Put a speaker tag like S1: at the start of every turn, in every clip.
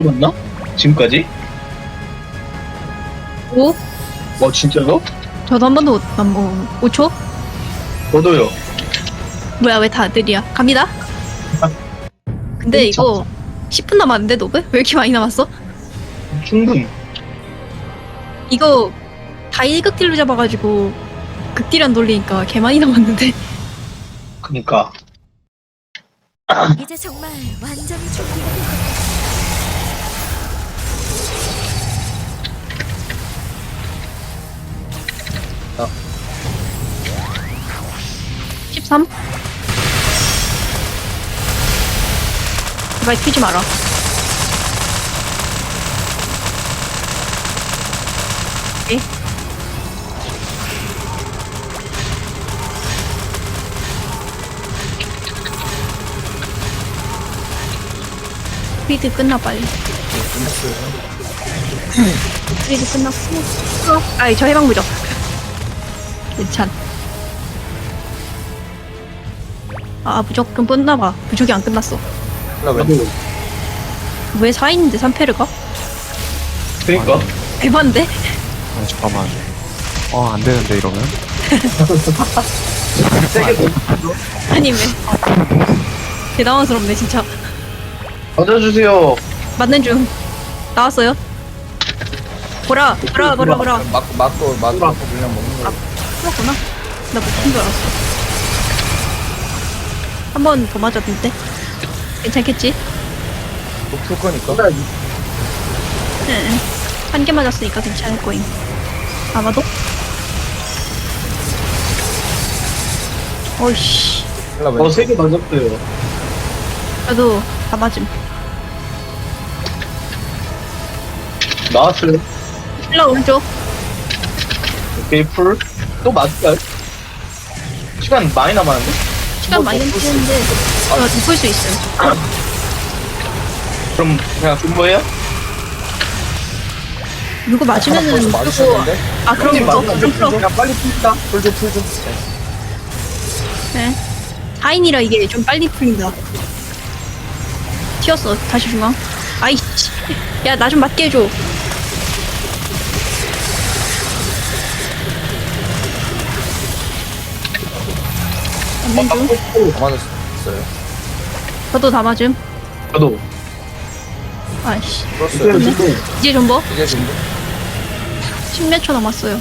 S1: 맞나? 지금까지?
S2: 오?
S1: 진짜요?
S2: 저도 한 번도 안 먹어. 5초?
S1: 저도요.
S2: 뭐야, 왜 다들이야? 갑니다. 근데 이거 10분 남았는데, 너브? 왜 이렇게 많이 남았어?
S1: 충분.
S2: 이거 다 1극딜로 잡아가지고 극딜 안 돌리니까 개 많이 남았는데.
S1: 그니까.
S3: 이제 정말 완전히 준비가 된 것 같아.
S2: 13? 제발 튀지 마라. 오케이. 스피드 끝나 빨리. 스피드 끝났고. 아이 저 해방무적. 괜찮. 아 무적 좀 끝나봐. 무적이 안 끝났어. 왜 4인인데 3패를 가?
S1: 그니까.
S2: 대반데?
S4: 아 잠깐만. 안 되는데 이러면.
S1: 세게
S2: 아니 왜? 개 당황스럽네 진짜.
S1: 던져주세요.
S2: 맞는 중. 나왔어요. 보라.
S1: 아,
S5: 맞고 그냥 먹는 거.
S2: 그렇구나. 나 못한 줄 알았어. 한 번 더 맞았는데? 괜찮겠지?
S5: 풀 거니까.
S2: 응. 한 개 맞았으니까 괜찮을 거임. 아마도? 어이씨.
S1: 세게 던졌어요.
S2: 그래도 다 맞음.
S1: 나왔어요.
S2: 일라 오른쪽.
S1: 오케이, 풀. 또 맞을까요? 시간 많이 남았는데?
S2: 시간 많이 남기는데 덮을 수 있어요.
S1: 그럼 그냥 준거예요?
S2: 누구 맞으면은 누구
S5: 맞으셨는데?
S2: 아 그럼 이거 좀 풀어.
S1: 그냥 빨리 풉시다.
S5: 풀 좀.
S2: 네. 4인이라 이게 좀 빨리 풀린다. 튀었어. 다시 중앙. 아이씨. 야 나 좀 맞게 해줘. 맞는 중.
S5: 다 맞았어요.
S2: 저도 다 맞음.
S1: 저도.
S2: 아이씨.
S5: 풀었어요.
S2: 이제 존버.
S5: 이제 정도?
S2: 10몇 초 남았어요.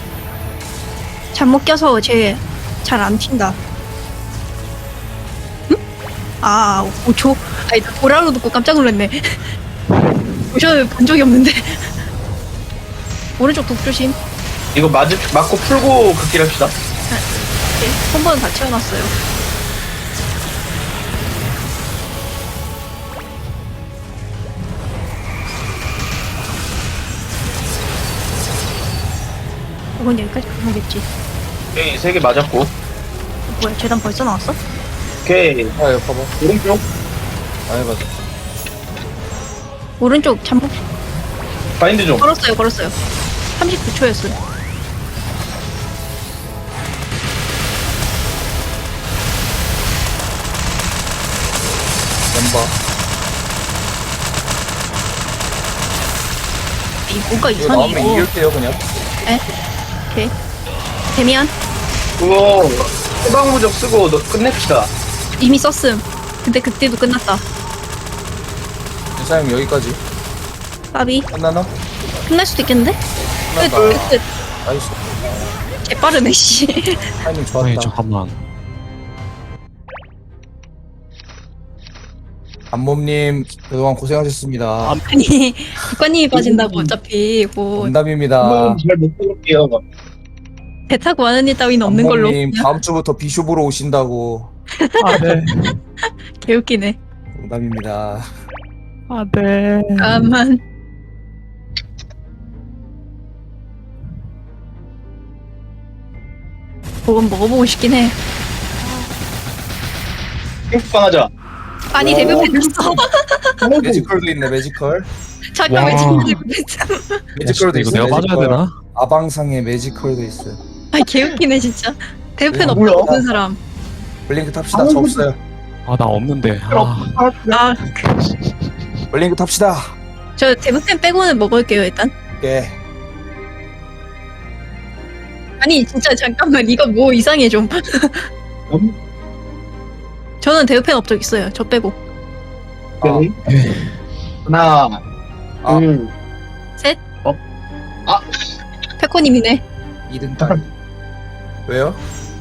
S2: 잘못 껴서 쟤 잘 안 튄다. 응? 아, 5초? 아니, 나 보라로 듣고 깜짝 놀랐네. 보셔 본 적이 없는데. 오른쪽 독 조심.
S1: 이거 맞고 풀고 극딜 합시다.
S2: 네, 한 번은 다 채워놨어요. 이건 여기까지 가겠지.
S1: 오케이, 세개 맞았고.
S2: 뭐야, 재단 벌써 나왔어?
S1: 오케이.
S5: 이거 봐봐.
S1: 오른쪽.
S5: 맞아.
S2: 오른쪽 잠복
S1: 바인드 좀.
S2: 걸었어요. 39초였어요.
S5: 멤버.
S2: 뭔가
S5: 이거
S2: 이상해.
S5: 나오면 이길게요 그냥.
S2: 에? 오케이. 데미안?
S1: 그거 해방무적 쓰고 끝냅시다.
S2: 이미 썼음. 근데 그때도 끝났다.
S5: 이사님 여기까지.
S2: 까비.
S5: 끝나나?
S2: 끝날 수도 있겠는데?
S5: 끝났다.
S2: 끝.
S5: 나이스.
S2: 개빠르네, 씨.
S5: 타이밍 좋았다.
S4: 아니 잠깐만.
S5: 안몸님 그동안 고생하셨습니다.
S2: 아니, 국가님이 빠진다고, 어차피. 뭐,
S5: 원담입니다.
S1: 한번 잘못 볼게요.
S2: 배 타고 하는 일 따위는 없는 걸로.
S5: 안몸님 다음 주부터 비숍으로 오신다고.
S4: 네.
S2: 개웃기네.
S5: 원담입니다.
S4: 네.
S2: 까만. 그건 먹어보고 싶긴 해.
S1: 핑크빵 하자.
S2: 아니, 데뷔했어.
S5: 매지컬도 있네 매지컬.
S2: 잠깐, 왜
S4: 와.
S2: 지금 데뷔했어?
S5: 매지컬도
S4: 이거
S5: 있어.
S4: 내가 빠져야 되나?
S5: 아방상에 매지컬도 있어요.
S2: 아, 개웃기네, 진짜. 데뷔팬
S1: 뭐야?
S2: 없는 사람.
S5: 블링크 탑시다. 저 없어요.
S4: 나 없는데.
S2: 아,
S5: 블링크 탑시다.
S2: 저 데브팬 빼고는 먹을게요 일단.
S5: 예.
S2: 아니 진짜 잠깐만 이거 뭐 이상해 좀. 저는 데브팬 업적 있어요. 저 빼고.
S1: 오케이. 하나,
S5: 아.
S1: 둘,
S2: 셋.
S1: 아.
S2: 페코님이네.
S5: 2등 딸. 왜요?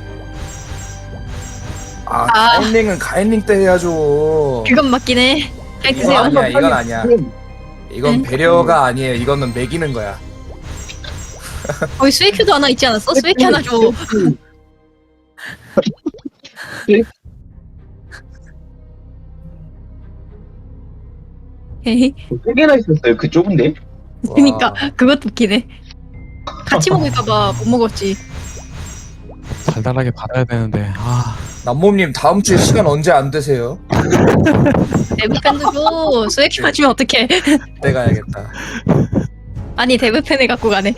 S5: 아,
S2: 아.
S5: 가인링은 가인링 때 해야죠.
S2: 그건 맞긴 해. 잘
S5: 이건
S2: 드세요.
S5: 아니야, 이건 아니야. 이건
S2: 네.
S5: 배려가 아니에요. 이거는 매기는 거야.
S2: 거기 스웨큐도 하나 있지 않았어? 스웨큐 하나 줘. 에이,
S1: 세 개나 있었어요. 그 좁은데?
S2: 그니까
S5: 와.
S2: 그것도 웃기네. 같이 먹을까봐 못 먹었지.
S4: 달달하게 받아야 되는데
S5: 남몸님 다음 주에 시간 언제 안 되세요?
S2: 데브팬도 줘. 스웨큐 주면 어떡해.
S5: 그때 가야겠다.
S2: 아니 데브팬을 갖고 가네.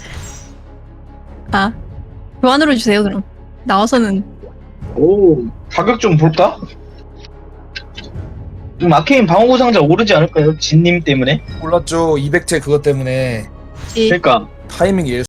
S2: 아 교환으로 주세요 그럼. 나와서는
S1: 오, 가격 좀 볼까? 좀 아케인 방어구 상자 오르지 않을까요? 진님 때문에?
S5: 몰랐죠. 200제 그것 때문에
S2: 지
S1: 그러니까
S5: 타이밍이